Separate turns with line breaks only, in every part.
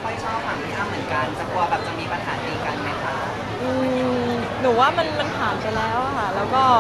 ค่อยชอบฝั่งพี่อ้ำเหมือนกันจะกลัวแบบจะมีปัญหาตีกันไหมคะ
หนูว่ามันผ่านไปแล้วอะค่ะแล้วก็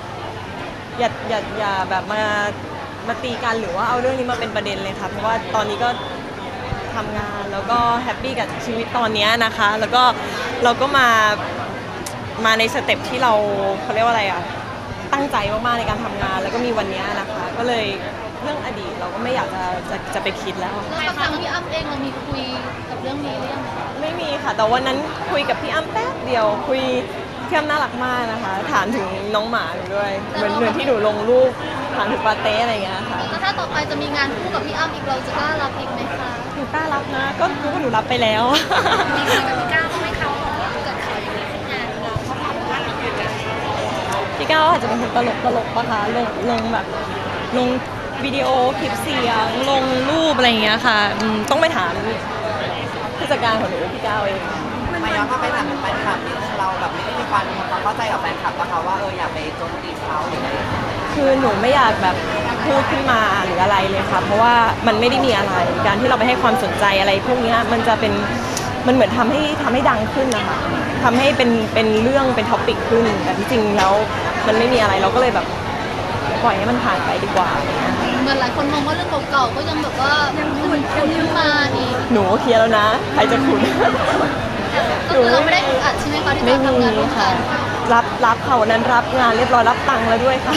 อย่าแบบมาตีกันหรือว่าเอาเรื่องนี้มาเป็นประเด็นเลยค่ะเพราะว่าตอนนี้ก็ทำงานแล้วก็แฮปปี้กับชีวิตตอนนี้นะคะแล้วก็เราก็มาในสเต็ปที่เราเขาเรียกว่าอะไรอะตั้งใจมากๆในการทำงานแล้วก็มีวันนี้นะคะก็เลยเรื่องอดีตเราก็ไม่อยากจะไปคิดแล้ว
แล้วกับทางพี่อ้ำเองเรามีคุยกับเรื่องนี้หรือยังคะ
ไม่มีค่ะแต่วันนั้นคุยกับพี่อ้ำแป๊บเดียวคุยพี่อ้ำน่ารักมากนะคะถามถึงน้องหมาหนูด้วยเหมือนที่หนูลงรูปถามถึงปาเต้อะไรอย่างเงี้ยค่ะ
แล้วถ้าต่อไปจะมีงานคู่กับพี่อ้ำอีกเราจะกล้ารับอีกไหมคะ
หนูกล้ารับนะก็รู้ว่าหนูรับไปแล้ว
มีคุยกับพี่ก้าวบ้างไหมคะว่าเกิดขออย่างนี้ขึ้นงานเราเขาทำว่าติดกัน
พี่ก้าวอาจจะเป็นคนตลกปะคะลงแบบลงวิดีโอคลิปเสียงลงรูปอะไรอย่างเงี้ยค่ะต้องไปถามผู้จัดการของหนูพี่ก้าวเอง
มาย้อนกลับไปถามแฟนคลับนี่เราแบบไม่ได้มีความเข้าใจกับแฟนคลับนะคะว่าอย่าไปโจมตีเขาหรืออะไร
คือหนูไม่อยากแบบพูดขึ้นมาหรืออะไรเลยค่ะเพราะว่ามันไม่ได้มีอะไรการที่เราไปให้ความสนใจอะไรพวกนี้มันจะเป็นมันเหมือนทำให้ดังขึ้นนะคะทำให้เป็นเรื่องเป็นท็อปิกขึ้นแต่ที่จริงแล้วมันไม่มีอะไรเราก็เลยแบบปล่อยให้มันผ่านไปดีกว่า
เหมือนหลายคนมองว่าเรื่องเก่าๆก็ยังแบบว่ายังขุ่นขึ้นมาอีก
หนูเคลียร์แล้วนะใครจะขุน
ก็คือเราไม่ได้อัดใช่ไหมคะที่จะทำงานร่วมกัน
รับค่ะวันนั้นรับงานเรียบร้อยรับตังค์แล้วด้วยค่ะ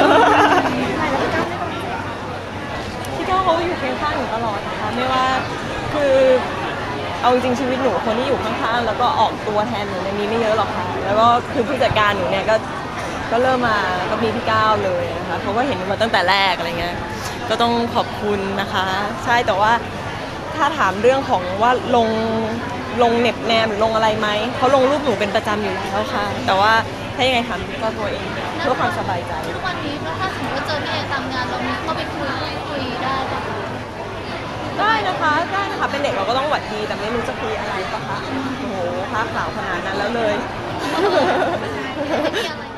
พี่ก้าวเขาอยู่เคียงข้างหนูตลอดนะคะไม่ว่าคือเอาจริงชีวิตหนูคนที่อยู่ข้างๆแล้วก็ออกตัวแทนหนูมีไม่เยอะหรอกค่ะแล้วก็คือผู้จัดการหนูเนี่ยก็เริ่มมาก็มีพี่ก้าวเลยนะคะเขาก็เห็นมาตั้งแต่แรกอะไรเงี้ยก็ต้องขอบคุณนะคะใช่แต่ว่าถ้าถามเรื่องของว่าลงเน็บแนมหรือลงอะไรไหมเขาลงรูปหนูเป็นประจำอยู่แล้วค่ะแต่ว่าถ้ายังไงถามก็ตัวเองเพื่อความสบายใจ
ทุกวันนี้ถ้าสมมติว่าเจอพี่เอตามงานเรามีเข้าไปคุยได้ปะ
ได้นะคะเป็นเด็กเราก็ต้องหวัดดีแต่ไม่รู้จะคุยอะไรปะคะโอ้โหผ้าขาวขนาดนั้นแล้วเลย
ไม่มีอะไร